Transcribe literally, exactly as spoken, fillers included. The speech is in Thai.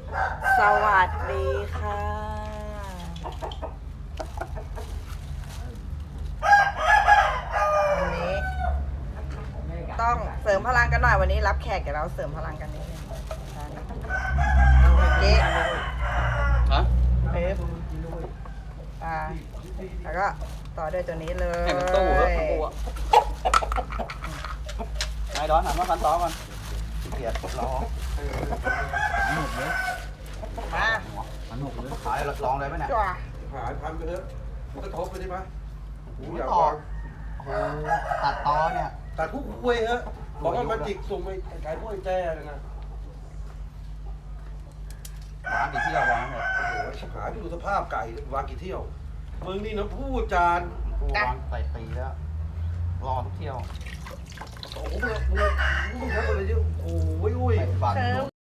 สวัสดีค่ะวันนี้ต้องเสริมพลังกันหน่อยวันนี้รับแขกเดี๋ยวเราเสริมพลังกันนิดนึงเจ๊ฮะเป๊บอ่าแล้วก็ต่อด้วยตัวนี้เลยให้มันตู้เหรอตู้อ่ะนายดอนหันมาคันต่อก่อนเกลียดรอหนุกเลยมามันหนุกเลยขายลองเลยไหมเนี่ยจ้าหายพันไปเถอะมันก็ทบไปได้ไหมหูอยากต่อฟังโอ้ตัดตอเนี่ยแต่ทุกคุยเถอะบอกว่ามาจิกส่งไปขายพวกไอ้แจ้เลยนะวางกี่เที่ยววางเลยโอ้โหชิบหายไปดูสภาพไก่วางกี่เที่ยวมึงนี่นะพูดจานกูวางใส่ตีแล้วรอทุกเที่ยวโอ้โหมึงมึงมึงทำอะไรเยอะโอ้ยอุ้ยใส่บาทเชิญ